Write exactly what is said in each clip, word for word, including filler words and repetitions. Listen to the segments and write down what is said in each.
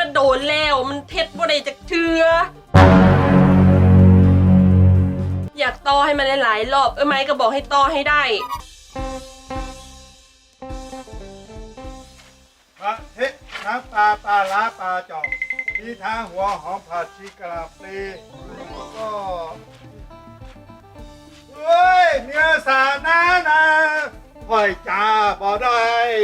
โดนแล้วมันเท็ดบ่ได้จักเทืออยากต่อให้มันหลายๆรอบเอ้ยไม้ก็บอกให้ต่อให้ได้พระเทศน้ำปลาปลาล้าปลาจอกมีทางหัวหอมผัดชีกะลาปลีแล้วก็เฮ้ยเนื้อสานานะหอยจ้าบ่ได้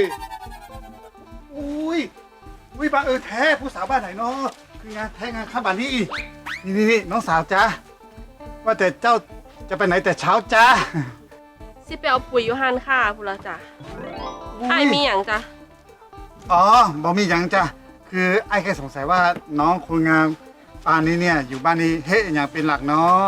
อุ้ยอุ้ยบ้านเออแท้ผู้สาวบ้านไหนเนาะคืองานแท้งานข้ามบ้านนี่นี่นี่นี่น้องสาวจ้าว่าแต่เจ้าจะไปไหนแต่เช้าจ้าสิไปเอาปุ๋ยอยู่หันค่ะพูดละจ้ะไอ้มีอย่างจ้ะอ๋อบ่มีอย่างจ้ะคือไอ้แค่สงสัยว่าน้องคนงามปานนี้เนี่ยอยู่บ้านนี้เฮ็ดอย่างเป็นหลักเนาะ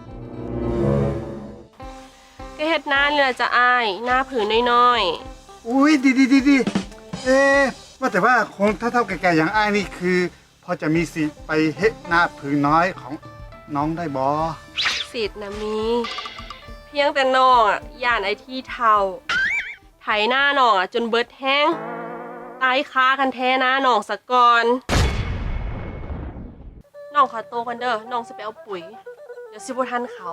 ก็เฮ็ดหน้านี่แหละจ้ะอ้ายหน้าผืนน้อยๆอุ้ยดีดีดีดีเอ๊ะว่าแต่ว่าคงเท่าๆแก่ๆอย่างไอ้นี่คือพอจะมีสิทธิ์ไปเฮ็ดหน้าผืนน้อยของน้องได้บ่สิทธิ์นะมีเพียงแต่น้องอ่ะย่านไอ้ที่เท่าไถหน้าน้องอ่ะจนเบิดแห้งตายค้ากันแท้นะน้องสะก่อนน้องขอโตกันเด้อน้องสิไปเอาปุ๋ยเดี๋ยวสิบ่ทันเขา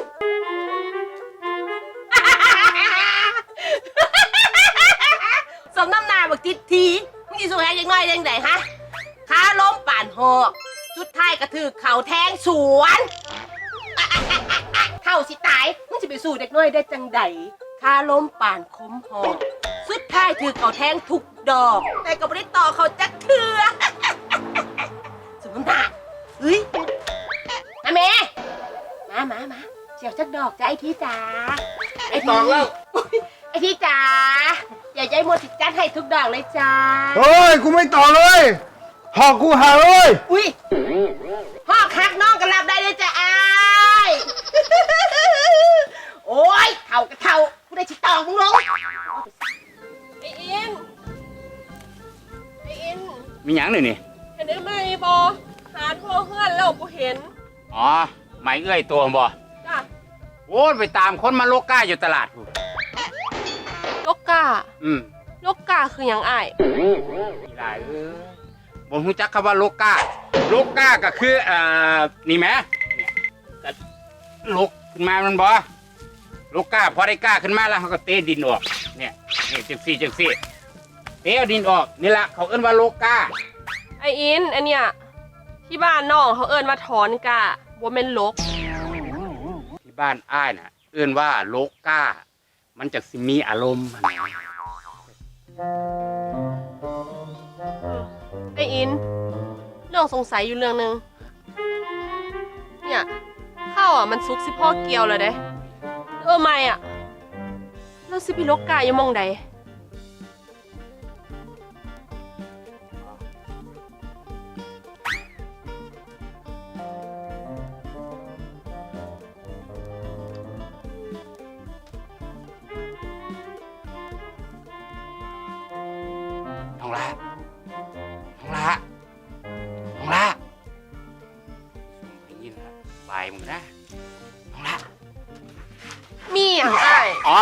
สมน้ำหน้าบักทิศทีมึงสิสู้แฮยังน้อยยังไงฮะขาล้มป่านหอกสุดท้ายกระถือเข่าแทงสวนเท่าสิตายมึงจะไปสู้เด็กน้อยได้จังใดขาล้มป่านคมหอกสุดท้ายถือเข่าแทงทุกดอกแต่ก็ไม่ได้ต่อเขาจักเถื่อสมน้ำหน้าเฮ้ยมาเมมามามาเจียวจักดอกจ้ะไอ้ทีจ๋าไอ้ทีไอ้ทีจ๋าอย่าใจหมดติดจัดให้ทุกดอกเลยจ้าเฮ้ยกูไม่ต่อเลยหอกกูหาเลยอุ้ยหอกหักน้องกันรับได้เลยจ้าไอ้โอ้ยเท่ากับเท่ากูได้ชิตองมึงลงไอ้อินไอ้อินมีหยังหน่อยนี่เห็นได้ไหมบอหาทั่วเฮือนแล้วบ่เห็นอ๋อไม่เอื้อยตัวบ่จ้ะโอ้ไปตามคนมาโลกก้าอยู่ตลาดโลกกาอืมโลกกาคือหยังอ้ายอีหลายเอ้ยบ่รู้จักคำว่าโลกก้าโลกก้าก็คืออ่านี่แหมเนี่ยก็ลกขึ้นมามันบ่โลกก้าพอได้ก้าขึ้นมาแล้วเขาก็เตะดินออกเนี่ยนี่จังซี่จังซี่เตะดินออกนี่ล่ะเขาเอิ้นว่าโลกก้าไออินอันเนี้ยที่บ้านน้องเขาเอิ้นว่าถอนกาบ่แม่นลกที่บ้านอ้ายน่ะเอิ้นว่าโลกก้ามันจะสิมีอารมณ์นะไออินน้องสงสัยอยู่เรื่องนึงเนี่ยข้าวอ่ะมันซุกสิพ่อเกี่ยวเลยเด้เออไม่อ่ะแล้วสิพี่ลกกาอยู่มองใดน้องละน้องละน้องละได้ยินละบายมึงนะน้องละมีอย่างไอ้อ๋อ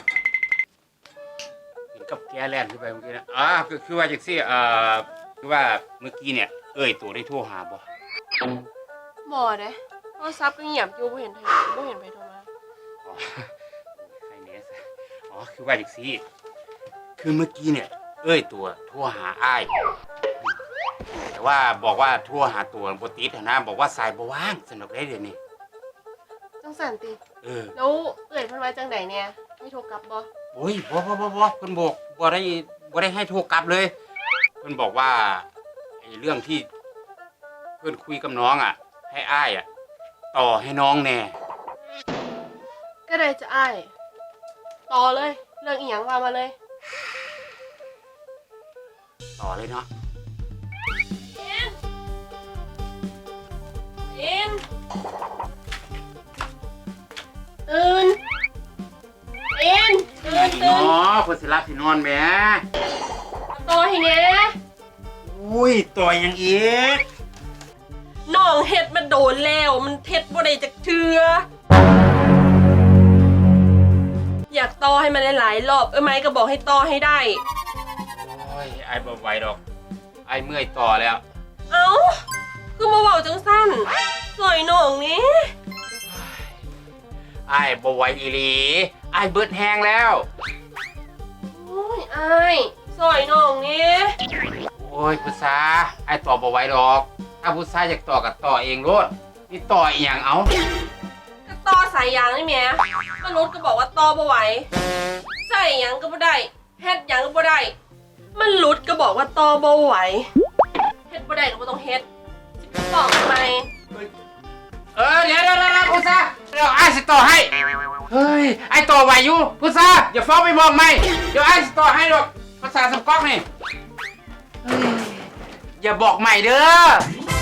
เห็นกับแกแล่นขึ้นไปเมื่อกี้นะอ๋อคือคือว่าจากซี่เอ่อคือว่าเมื่อกี้เนี่ยเอ้ยตัวได้โทรหาบ่บ่เด้โทรศัพท์ก็เงียบอยู่บ่เห็นใครบ่เห็นใครโทรมาอ๋อใครเนี่ยอ๋อคือว่าจากซี่คือเมื่อกี้เนี่ยเอ้ยตัวโทรหาอ้ายแต่ว่าบอกว่าโทรหาตัวบ่ติดนะบอกว่าสายบ่ว่างสนุกได้เดี๋ยวนี้จังสันติเออแล้วเอ้ยเพิ่นว่าจังไดเนี่ยให้โทรกลับบ่โอ้ยบ่บ่บ่บ่เพิ่นบอกบ่ได้บ่ได้ให้โทรกลับเลยเพิ่นบอกว่าไอ้เรื่องที่เพิ่นคุยกับน้องอ่ะให้อ้ายอ่ะต่อให้น้องแน่ก็ได้จะอ้ายต่อเลยเรื่องอีหยังว่ามาเลยต่อเลยเนาะอินอินตื่นอินตื่นตื่นอ๋อคนสิรับสินอนแหมต่อให้แน่อุ้ยต่อยังอีกน้องเฮ็ดมาโดนแล้วมันเท็ดบ่ได้จักเทืออยากต่อให้มันหลายๆรอบเอ้ยไม้ก็บอกให้ต่อให้ได้โอ้ยไอ้บ่ไหวดอกไอ้เมื่อยต่อแล้วเอ้าคือมาเว้าจังสั้นสวยน้องนี้ไอ้ายบ่ไหวอีหลีไอ้ายเบิดแห้งแล้วโอ้ยอายสวยน้องนี้โอ้ยพุทธาไอ้ายต่อบ่ไหวดอก ถ้าพุทธาอยากต่อกับต่อเองโลดนี่ต่ออีหยังเอาก็ต่อสายยางนี่แหม่มนุษย์ก็บอกว่าต่อบ่ไหวใส่หยังก็บ่ได้เฮ็ดหยังก็บ่ได้มันหลุดก็บอกว่าต่อบ่ไหวเฮ็ดบ่ได้ก็บ่ต้องเฮ็ดสิไปบอกทำไมเออเดี๋ยวเดี๋ยวเดี๋ยวพุทธาเดี๋ยวไอ้ายสิต่อให้ เฮ้ยไอ้ายต่อไหวอยู่พุทธาอย่าฟ้องไปบอกไม่เดี๋ยวไอ้ายสิต่อให้ดอกภาษาสำก๊อกนี่เฮ้ยอย่าบอกใหม่เด้อ